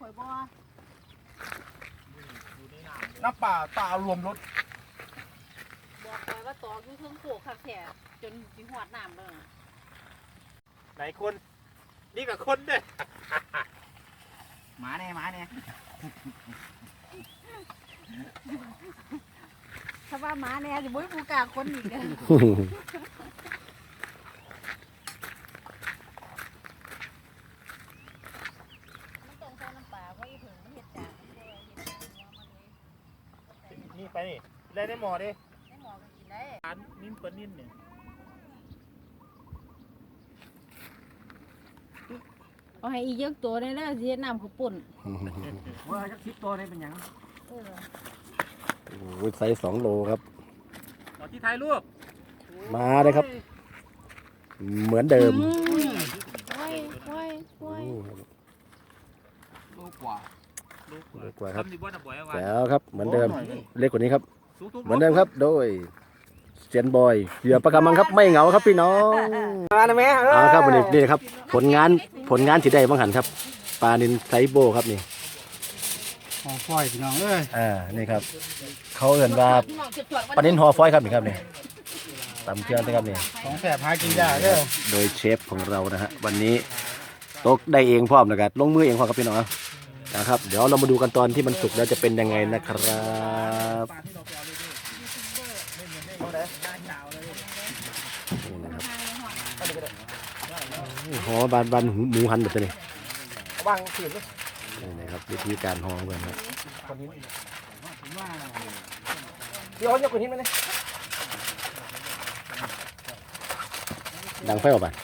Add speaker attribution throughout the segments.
Speaker 1: ข่อยบ่
Speaker 2: น้ำป่าตารวมรถ
Speaker 1: บอกข่อยว่าตอกอยู่เทิงโขกคักแท้จนสิหอดน้ำเลย
Speaker 3: ไหนคนนี่กับคนเนี่ย
Speaker 2: หมาเนี่ย
Speaker 1: ถ้าว่าหมาแน่สิบ่มีผู้กล้าคนอีกเด้อมันต้องใส่น้ำปลาเพราะอีเพิ่งมันเฮ็ดจากมันบ่เฮ็ดจากหัวมันเลย
Speaker 3: นี่ไปนี่ได้ในหมอดิ
Speaker 1: ได้หมอก็กินได้
Speaker 3: อันนิ่มปนนิ่มเนี่ย
Speaker 1: เอาให้อีกเยอะตัวได้แล้วสิเฮ็ดน้ำข้าวปุ้น
Speaker 2: ว่าจะคิดตัวนี้เป็นยัง
Speaker 1: เออ
Speaker 4: โอ้ยไซส์2 โลครับ
Speaker 3: ตอนที่ถ่ายรูป
Speaker 4: มาเลยครับ เหมือนเดิม
Speaker 1: โอ้ย
Speaker 2: ลูกกว่า
Speaker 3: ลูก
Speaker 4: เล็กกว่าครับ
Speaker 3: ทำดีบ่นะบ่อยว่า
Speaker 4: แล้วครับเหมือนเดิม เล็กกว่านี้ครับ
Speaker 3: ทุกๆ
Speaker 4: เหมือนเดิมครับ โดยเซียนบอยเหยื่อปลากระมังครับไม่เหงาครับพี่น้อง
Speaker 2: มาเลยแม่
Speaker 4: เอาครับวันนี้นี่ครับผลงานที่ได้บ้างหันครับปลานินไซโบครับนี่
Speaker 2: หอฟอยพี่น้องเอ้ย
Speaker 4: นี่ครับเขาเอ่นว่าปลานินหอฟอยครับนี่ครับนี่ตำเครื่องนะครับนี่
Speaker 2: ของแสบหากินยากเด้อ
Speaker 4: โดยเชฟของเรานะฮะวันนี้ตกได้เองพร้อมนะครับลงมือเองพร้อมครับพี่น้องนะครับเดี๋ยวเรามาดูกันตอนที่มันสุกแล้วจะเป็นยังไงนะครับห่อบานหมูหันแบบนี้
Speaker 2: วางขืนเลย
Speaker 4: นี่นะครับวิธีการห่อกันครับ
Speaker 2: เดี๋ยวจะกดทิ้งไปเลย
Speaker 4: ดังไฟออกไป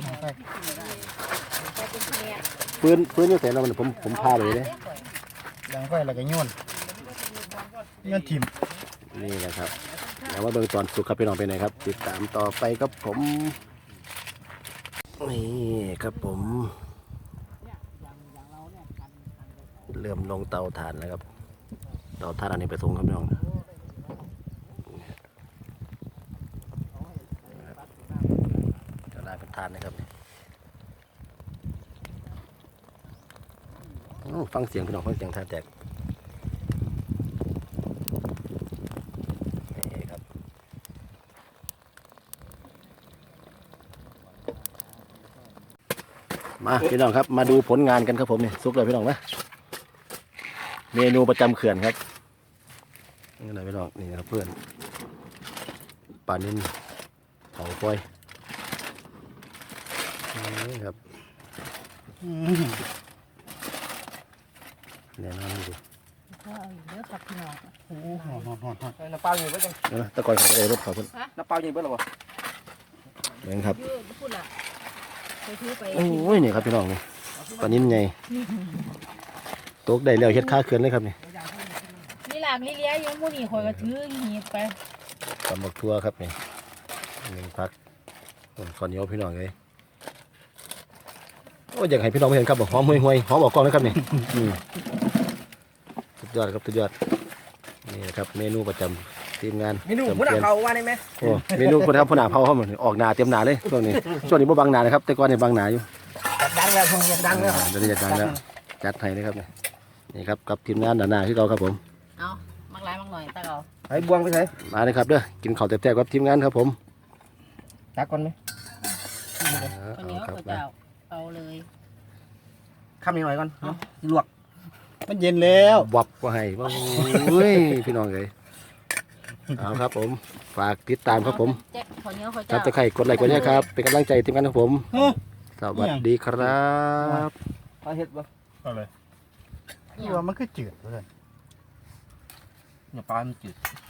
Speaker 4: ปืนอยู่แต่เราผมพาเลยเนี่ย
Speaker 2: ยังไฟแล้วก็โยนทิม
Speaker 4: นี่แหละครับแล้วว่าเบื้องตอนสุกครับพี่น้องไปไหนครับ ติดตามต่อไปครับผมนี่ครับผม เริ่มลงเตาถ่านแล้วครับเตาถ่านอันนี้ไปส่งครับพี่น้องจะได้เป็นถ่านนะครับฟังเสียงพี่น้องฟังเสียงถ่านแตกนี่ครับมาพี่น้องครับมาดูผลงานกันครับผมนี่ซุกเลยพี่น้องนะเมนูประจำเขื่อนครับนี่อะไรพี่น้องนี่นะครับเพื่อนปลานิ่มเผาไฟนี่ครับแน่นอนดู
Speaker 1: ก็เอาอยู่เด้อครับพี่น้อง
Speaker 2: โอ้โหน้ำเปล่าอยู่เบิ้ลจัง
Speaker 4: ตะกอนของเอรถเขาเพิ่น
Speaker 2: น้ำเปล่าอยู่เบิ้ลหรอวะ
Speaker 4: เองครับ
Speaker 1: อยู่พูดล่ะไปถือไป
Speaker 4: โอ้ยนี่ครับพี่น้องนี่ปลานิ่มใหญ่ตกได้แล้วเฮ็ดค่าเขื่อนเลยครับนี่
Speaker 1: นี่หลากนี่เลี้ยอยู่หมู่นี่ข่อยก็ถือหีบไป
Speaker 4: ตำบักทั่วครับนี่หนึ่งพักข้าวเหนียวพี่น้องเลยโอ้ยอยากให้พี่น้องเห็นครับบอกหอมห่วยหอมออกกล้องเลยครับนี่สุดยอดครับสุดยอดนี่นะครับเมนูประจำทีมงาน
Speaker 2: เมนูหัวหน้าเขาว่าได้ไหม
Speaker 4: โอ้เมนูคนทำผู้หนาเผาเขาเหมือนออกหนาเต็มหนาเลยช่วงนี้บ่บังหนาเลยครับแต่ก่อนเนี่ยบังหนาอยู่
Speaker 2: ดังแล้วคงดังแล้ว
Speaker 4: เดี๋ยวนี้จะดังแล้วจัดให้เลยครับนี่ครับกับทีมงานหนาที่เราครับผม
Speaker 1: เอามักหลายมักหน่อยตาเอา
Speaker 2: ไอ้บวงไปใส่
Speaker 4: มาเลยครับเด้อกินข้าวแซ่บๆกับทีมงานครับผม
Speaker 2: ตักก่อนไหม
Speaker 1: คนเหนียว
Speaker 4: ครับ
Speaker 1: ข้าวเจ้าเอาเลย
Speaker 2: คำหน่อยก่อนลวกมันเย็นแล้ว
Speaker 4: วับก็ให้ว้าวเฮ้ยพี่น้องเลยเอาครับผมฝากติดตามครับผม
Speaker 1: แจ็คคนเหนียวข้าว
Speaker 4: จั
Speaker 1: เจ้า
Speaker 4: บตะไคร่กดไลค์กดแชร์ครับเป็นกำลังใจทีมงานของผมสวัสดีครับ
Speaker 2: ปลาเห็ดบ่
Speaker 3: เอาเลย
Speaker 2: คือว่ามันคือจืดเลยเนี่ยปลามันจืด